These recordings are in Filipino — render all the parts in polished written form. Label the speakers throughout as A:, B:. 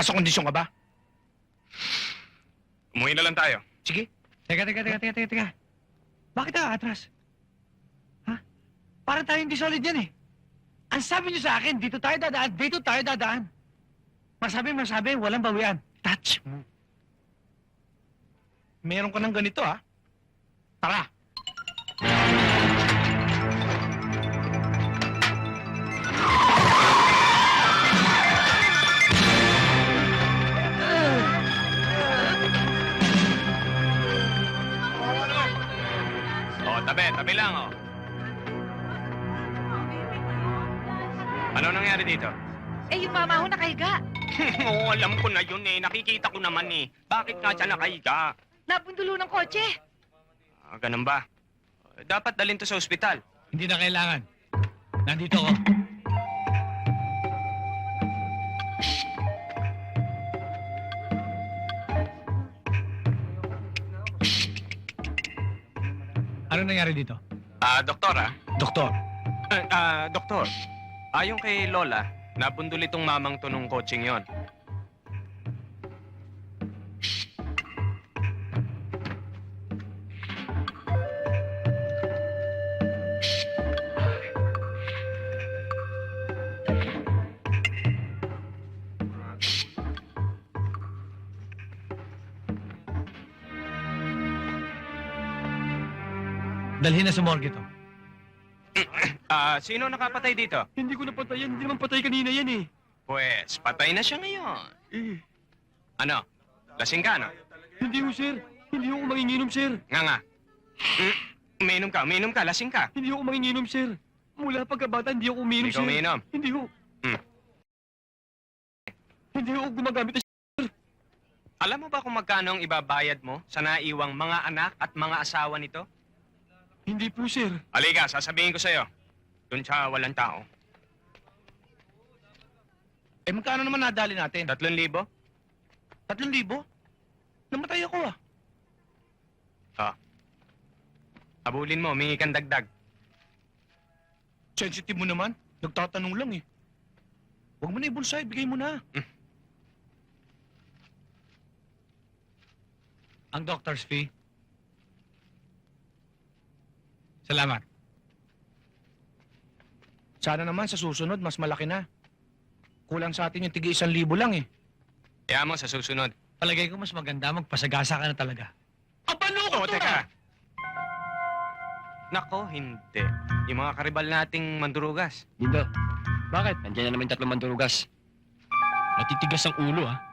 A: Nasa kondisyon ka ba?
B: Umuwi na lang tayo.
A: Sige.
C: Teka. Bakit atras? Ha? Parang tayo hindi solid yan eh. Ang sabi niyo sa akin, dito tayo dadaan. Masabi, walang bawian.
A: Touch mo. Meron ka ng ganito, ha? Tara.
B: Tabi lang, oh. Ano nangyari dito?
D: Eh, yung mama ho nakahiga.
B: Oo, alam ko na yun eh. Nakikita ko naman eh. Bakit nga siya nakahiga?
D: Napundulo ng kotse.
B: Ganun ba? Dapat dalhin to sa ospital.
C: Hindi na kailangan. Nandito ako. Ano nangyari dito?
B: Doktor,
C: Doktor.
B: Doktor. Ayon kay Lola, napundol itong mamang to nung coaching yon.
C: Dalhin na sa morgue to.
B: Sino nakapatay dito?
C: Hindi ko napatay yan. Hindi naman patay kanina yan eh.
B: Pues, patay na siya ngayon.
C: Eh,
B: Ano? Lasing ka, no?
C: hindi ho sir. Hindi ho ako manginginom sir.
B: Nga. Uminom ka, lasing ka.
C: Hindi ho ako manginginom sir. Mula pagkabata, hindi ako umiinom
B: Hindi ka
C: sir.
B: umiinom?
C: Hindi ho. Hindi ho ako gumagamit ng
B: Alam mo ba kung magkano ang ibabayad mo sa naiwang mga anak at mga asawa nito?
C: Hindi po sir.
B: Halika, sasabihin ko sa'yo. Doon sa walang tao.
A: Eh, magkano naman nadali natin?
B: 3,000?
A: 3,000? Namatay ako,
B: Abulin mo, humingi kang dagdag.
A: Sensitive mo naman. Nagtatanong lang, eh. Huwag mo na ibulsay. Bigay mo na.
C: Ang doctor's fee. Salamat.
A: Sana naman sa susunod, mas malaki na. Kulang sa atin yung tigi 1,000 lang, eh.
B: Kaya mo sa susunod.
C: Palagay ko mas maganda magpasagasa ka na talaga.
A: Abalo
B: Oo, teka. Nako, hindi. Yung mga karibal nating mandurugas.
C: Dindo. Bakit? Nandiyan na naman 3 mandurugas. Matitigas ang ulo, ha?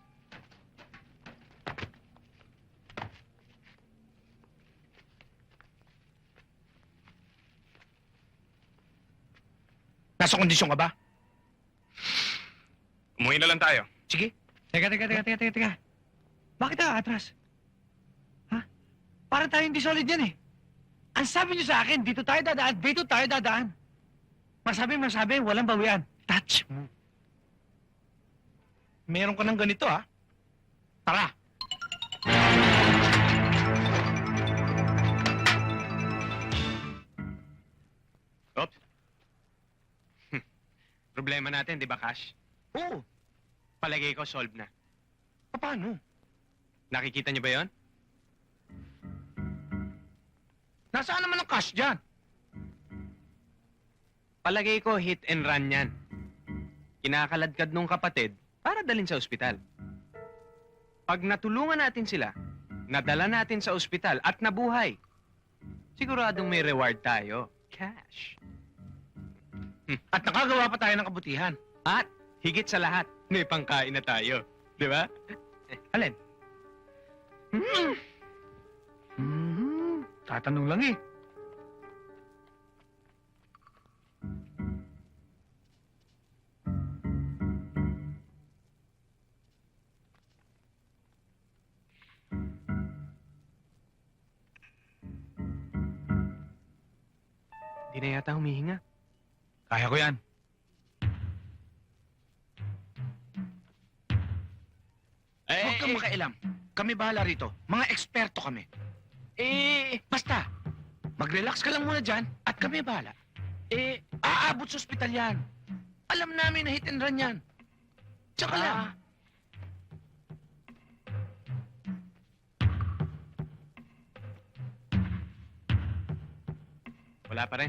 A: Nasa kondisyon ka ba?
B: Umuwi na lang tayo.
A: Sige.
C: Teka. Bakit atras? Ha? Parang tayo hindi solid yan eh. Ang sabi niyo sa akin, dito tayo dadaan. Masabi, walang bawian.
A: Touch mo. Meron ka ng ganito, ha? Tara.
B: Oops. Problema natin, di ba, Cash?
A: Oo.
B: Palagay ko, solve na.
A: Paano?
B: Nakikita niyo ba yon?
A: Nasaan naman ang cash dyan?
B: Palagay ko, hit and run yan. Kinakaladkad nung kapatid para dalhin sa ospital. Pag natulungan natin sila, nadala natin sa ospital at nabuhay, siguradong may reward tayo. Cash.
A: At nakagawa pa tayo ng kabutihan.
B: At higit sa lahat, may pangkain na tayo. Di ba?
A: Alin?
C: Tatanong lang eh.
B: Di na yata humihinga.
C: Kaya ko yan.
A: Huwag kang makailam. Kami bahala rito. Mga eksperto kami. Basta, mag-relax ka lang muna dyan at kami bahala. Aabot sa ospital yan. Alam namin na hit and run yan. Tsaka lang,
B: Wala pa rin.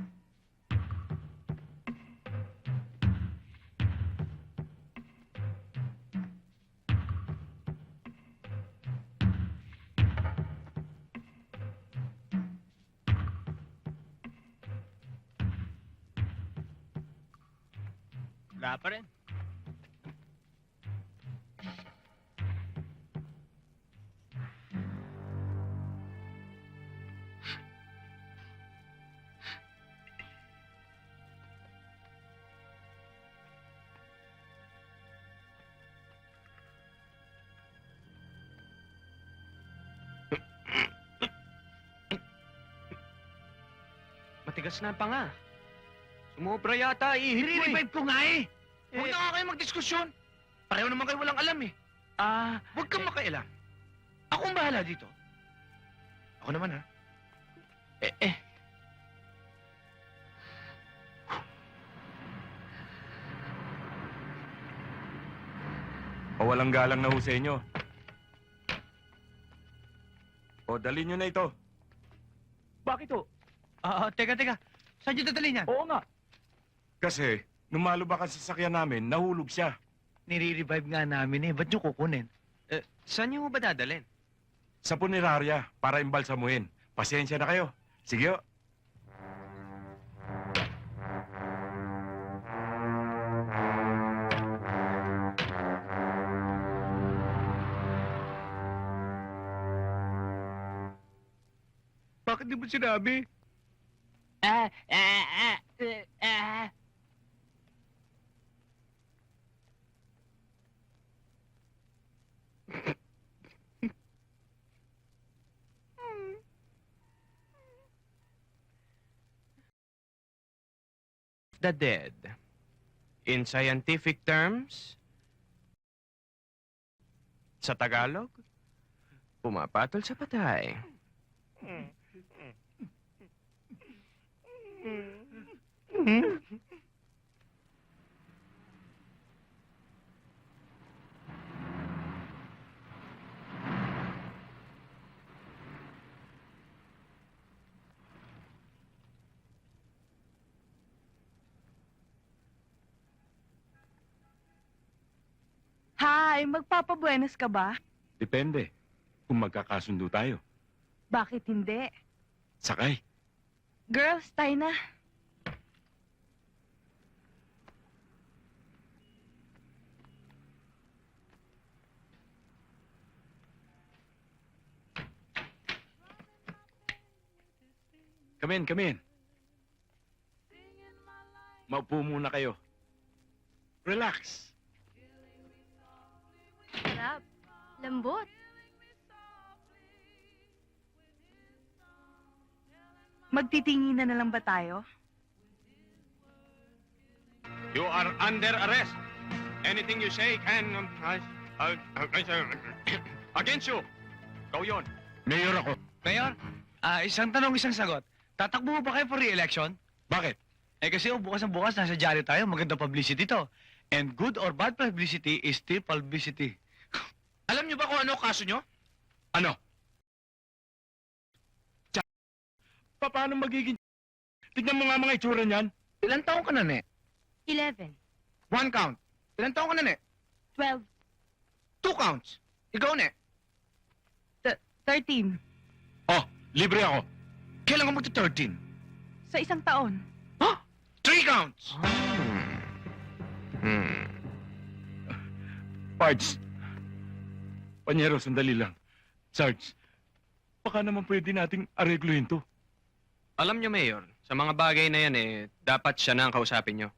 C: Wala pa rin.
B: Matigas na ang panga. Sumobra yata, ihip mo eh.
A: I-revive ko nga eh. Huwag na nga kayo magdiskusyon. Pareho naman kayo walang alam eh. Huwag kang makailam. Ako ang bahala dito. Ako naman ha.
E: Walang galang na ho sa inyo. O, dali nyo na ito.
C: Bakit ho? Teka. Saan niyo dadalhin yan? Oo nga.
E: Kasi, nung malubak ang sasakyan namin, nahulog siya.
C: Nire-revive nga namin eh. Ba't niyo kukunin?
B: Saan niyo ba dadalhin?
E: Sa punerarya, para imbalsamuhin. Pasensya na kayo. Sige ho.
C: Bakit di mo sinabi?
B: The dead. In scientific terms, sa Tagalog, pumapatol sa patay.
F: Hi, magpapabuenas ka ba?
E: Depende. Kung magkakasundo tayo.
F: Bakit hindi?
E: Sakay.
F: Girls, tayo na.
E: Come in. Maupo muna kayo. Relax.
F: Sarap. Lambot. Magtitingin na lang ba tayo?
B: You are under arrest. Anything you say can... against you. Go yon.
E: Mayor ako.
C: Mayor, isang tanong, isang sagot. Tatakbo mo ba kayo for re-election?
E: Bakit?
C: Eh kasi bukas ang bukas, nasa dyaryo tayo, maganda publicity to. And good or bad publicity is still publicity.
A: Alam niyo ba kung ano kaso niyo?
E: Ano? Paano magiging... Tignan mo nga mga itsura niyan.
A: Ilan taong ka na, Ne?
F: 11.
A: One count. Ilan taong ka na, Ne?
F: 12.
A: Two counts. Ikaw, Ne?
F: 13.
E: Oh, libre ako.
A: Kailan ka magta-13?
F: Sa isang taon.
A: Huh? Three counts.
E: Pards. Panyero, sandali lang. Sarge, baka naman pwede nating aregluhin to.
B: Alam niyo, Mayor, sa mga bagay na yan dapat siya na ang kausapin niyo.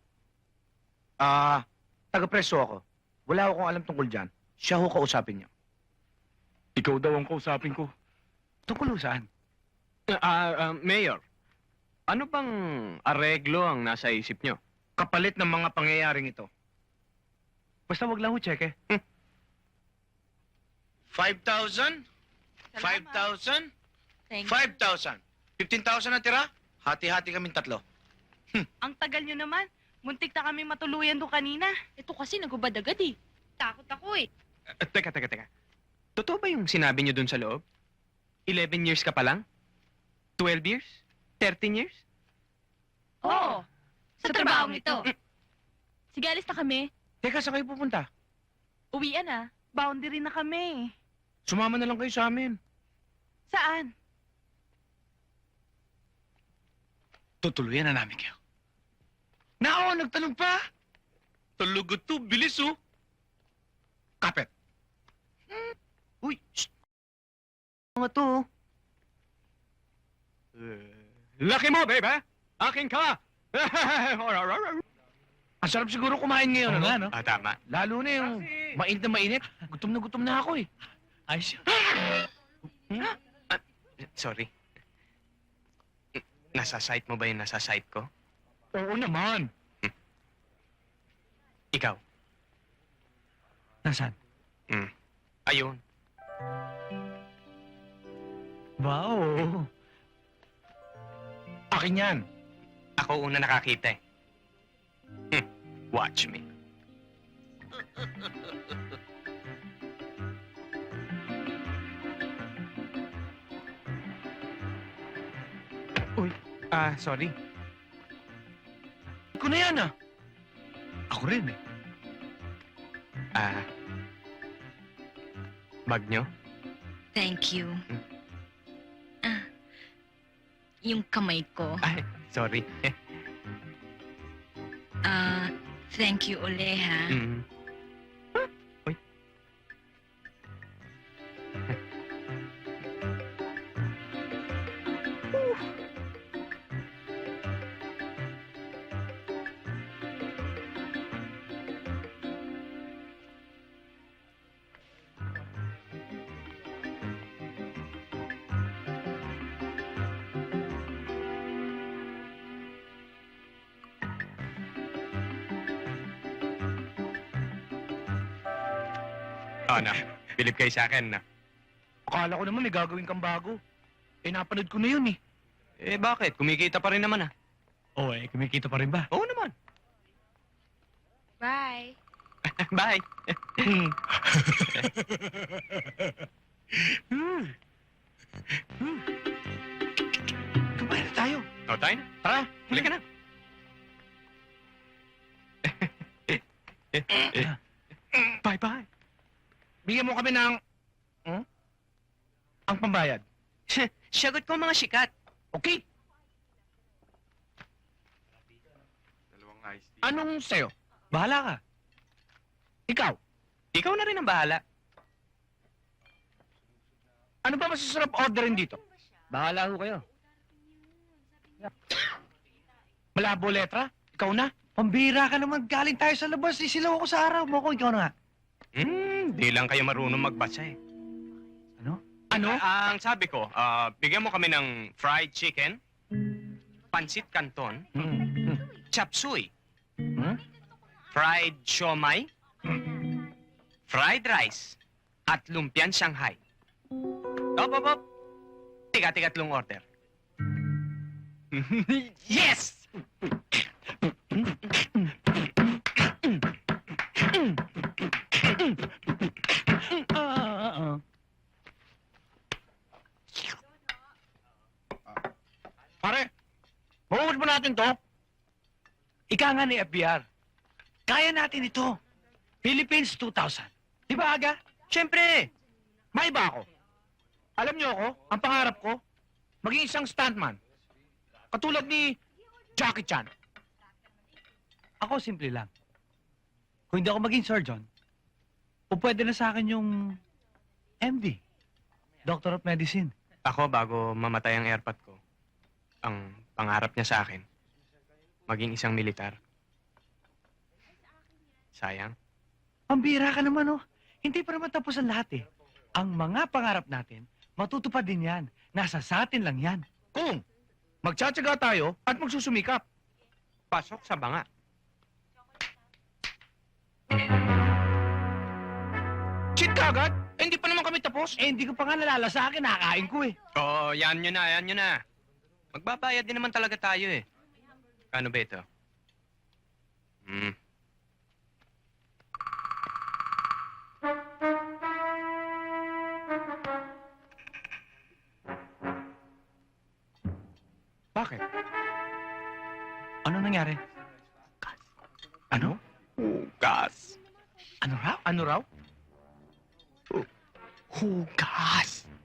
A: Taga-preso ako. Wala akong alam tungkol dyan. Siya ho kausapin niyo.
E: Ikaw daw ang kausapin ko.
C: Tungkol saan?
B: Mayor, ano bang areglo ang nasa isip niyo?
A: Kapalit ng mga pangyayaring ito.
C: Basta wag lang ho cheque.
A: 5,000? 5,000?
F: Thank
A: 5,000. 15,000 na tira? Hati-hati kaming tatlo.
F: Ang tagal nyo naman. Muntik na kami matuluyan doon kanina.
D: Ito kasi nagubad agad eh. Takot ako eh.
B: Teka. Totoo ba yung sinabi niyo dun sa loob? 11 years ka pa lang? 12 years? 13 years?
D: Oo. Sa trabaho ito. Sige, alis na kami.
A: Teka, saan kayo pupunta?
D: Uwian na.
F: Boundary na kami.
A: Sumama na lang kayo sa amin.
F: Saan?
C: Tutuluyan na namin kayo.
A: Nako, nagtanong pa!
B: Tulugod to, bilis oh.
A: Kapit.
B: Uy, shh. Mga to. Laki mo, babe, ha? Akin ka!
A: Ang sarap siguro kumain ngayon,
C: Oo
A: ano?
C: nga, no?
B: Tama.
A: Lalo na yung mainit na mainit. Gutom na ako eh.
C: Ayos yun.
B: Sorry. Nasa site mo ba yung nasa site ko?
A: Oo naman.
B: Ikaw?
C: Nasaan?
B: Ayun.
C: Wow.
A: Akin yan.
B: Ako una nakakita eh. Watch me. Uy, sorry.
A: Ko na yan ah.
C: Ako rin eh.
B: Bag nyo?
G: Thank you. Yung kamay ko.
B: Ay, sorry.
G: Thank you uli, ha?
B: Uy. Oh, na. Bilib kayo sa akin, na.
A: Akala ko naman may gagawin kang bago. Eh, napanood ko na yun eh.
B: Eh, bakit? Kumikita pa rin naman, ah.
C: Oo eh, kumikita pa rin ba?
B: Oo naman.
D: Bye.
B: Bye.
C: Kumain na tayo.
B: O, tayo na.
A: Tara.
B: Halika na. Bye-bye.
A: Bigyan mo kami ng... Ang pambayad.
B: Sagot ko mga sikat.
A: Okay? Anong sa'yo?
C: Bahala ka.
A: Ikaw?
B: Ikaw na rin ang bahala.
A: Ano ba masasarap orderin dito?
C: Bahala ho kayo.
A: Malabo letra? Ikaw na?
C: Pambira ka naman. Galing tayo sa labas. Isilaw ako sa araw mo ko. Ikaw na nga.
B: Di lang kayo marunong magbasa eh.
A: Ano?
B: Ang sabi ko, bigyan mo kami ng fried chicken, pansit canton, chop suey, fried siomai, fried rice, at lumpiang Shanghai. Op. Tiga-tigatlong order. Yes!
A: Pare, mahuhuli ba natin to?
C: Ika nga ni FBR. Kaya natin ito. Philippines 2000. Di ba aga?
A: Siyempre, may iba ako. Alam niyo ako, ang pangarap ko, maging isang stuntman. Katulad ni Jackie Chan.
C: Ako simple lang. Kung hindi ako maging surgeon, o pwede na sa akin yung MD. Doctor of Medicine.
B: Ako, bago mamatay ang airpot ko, ang pangarap niya sa akin, maging isang militar. Sayang.
C: Pambira ka naman, oh. Hindi pa naman tapos ang lahat, eh. Ang mga pangarap natin, matutupad din yan. Nasa sa atin lang yan.
A: Kung magtsatsaga tayo at magsusumikap.
B: Pasok sa banga.
A: Cheat ka agad? Eh, hindi pa naman kami tapos.
C: Eh, hindi ko pa nga nalala sa akin, nakakain ko, eh.
B: Oo, yan nyo na. Magbabayad din naman talaga tayo eh. Kano ba ito?
A: Bakit?
C: Ano nangyari? Ano?
B: Hugas.
C: Ano raw?
A: Ano raw?
B: Hugas.